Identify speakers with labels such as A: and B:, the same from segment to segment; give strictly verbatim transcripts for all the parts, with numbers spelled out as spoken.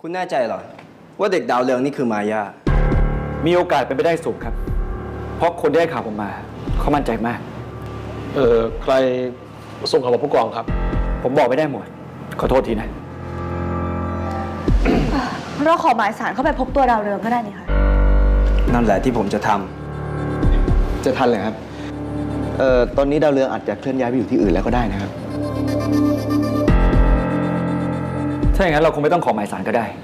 A: คุณแน่ใจเหรอว่าเด็กดาวเรืองนี่คือมายา
B: มีโอกาสเป็นไปได้สูงครับเพราะคนที่ให้ข่าวผมมาเขามั่นใจมาก
C: เออใครส่งข่าวมาผู้กองครับ
B: ผมบอกไม่ได้หมดขอโทษทีนะ
D: เราขอหมายสารเข้าไปพบตัวดาวเรืองก็ได้นี่ค่ะ
A: นั่นแหละที่ผมจะทำ
E: จะทันเลยครับเอ่อตอนนี้ดาวเรืองอาจจะเคลื่อนย้ายไปอยู่ที่อื่นแล้วก็ได้นะครับ
B: ถ้าอย่างนั้นเราคงไม่ต้องขอหมายสารก็ได้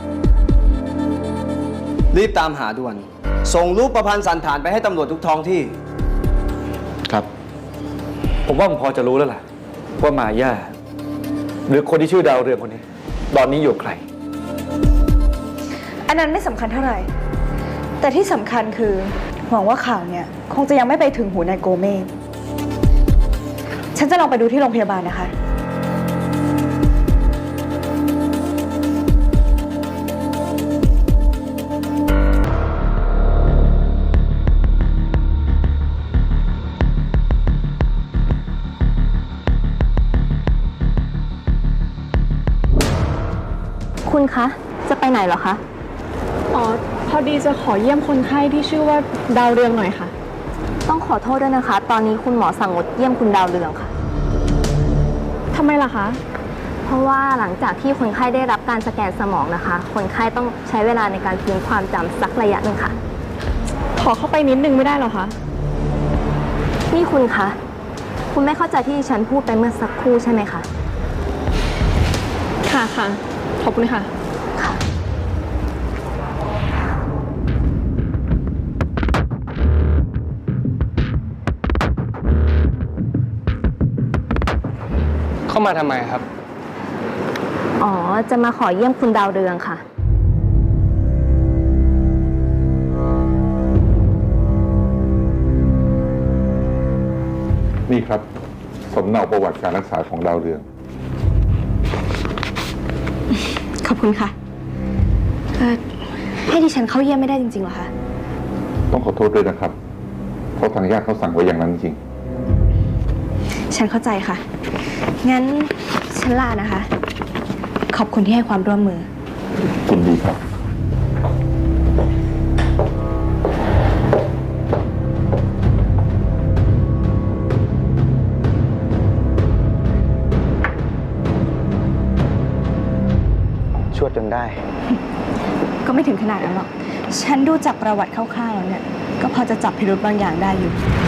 A: รีบตามหาด่วนส่งรูปประพันธ์สันฐานไปให้ตำรวจทุกท้องที่
E: ครับ
B: ผมว่าผมพอจะรู้แล้วล่ะว่ามาย่าหรือคนที่ชื่อดาวเรืองคนนี้ตอนนี้อยู่ใคร
D: อันนั้นไม่สำคัญเท่าไหร่แต่ที่สำคัญคือหวังว่าข่าวเนี่ยคงจะยังไม่ไปถึงหูนายโกเมศฉันจะลองไปดูที่โรงพยาบาลนะคะ
F: คุณคะจะไปไหนเหรอคะ
G: อ๋อพอดีจะขอเยี่ยมคนไข้ที่ชื่อว่าดาวเรืองหน่อยค่ะ
F: ต้องขอโทษด้วยนะคะตอนนี้คุณหมอสั่งงดเยี่ยมคุณดาวเรืองค่ะ
G: ทำไมล่ะคะ
F: เพราะว่าหลังจากที่คนไข้ได้รับการสแกนสมองนะคะคนไข้ต้องใช้เวลาในการฟื้นความจำสักระยะหนึ่งค่ะ
G: ขอเข้าไปนิดนึงไม่ได้หรอคะ
F: นี่คุณคะคุณไม่เข้าใจที่ฉันพูดไปเมื่อสักครู่ใช่ไหมคะ
G: ค่ะค่ะขอบคุณค่ะ
F: ค่ะ
C: เข้ามาทำไมครับ
F: อ๋อจะมาขอเยี่ยมคุณดาวเรืองค่ะ
H: นี่ครับสำเนาประวัติการรักษาของดาวเรือง
D: ขอบคุณค่ะเออให้ดิฉันเข้าเยี่ยมไม่ได้จริงๆเหรอคะ
H: ต้องขอโทษด้วยนะครับเพราะทางญาติเขาสั่งไว้อย่างนั้นจริง
D: ฉันเข้าใจค่ะงั้นฉันลานะคะ ขอบคุณที่ให้ความร่วมมือ
H: ยินดีครับ
E: ชวดจนได้
D: ก็ไม่ถึงขนาดนั้นหรอกฉันดูจากประวัติคร่าวๆแล้วเนี่ยก็พอจะจับพิรุธบางอย่างได้อยู่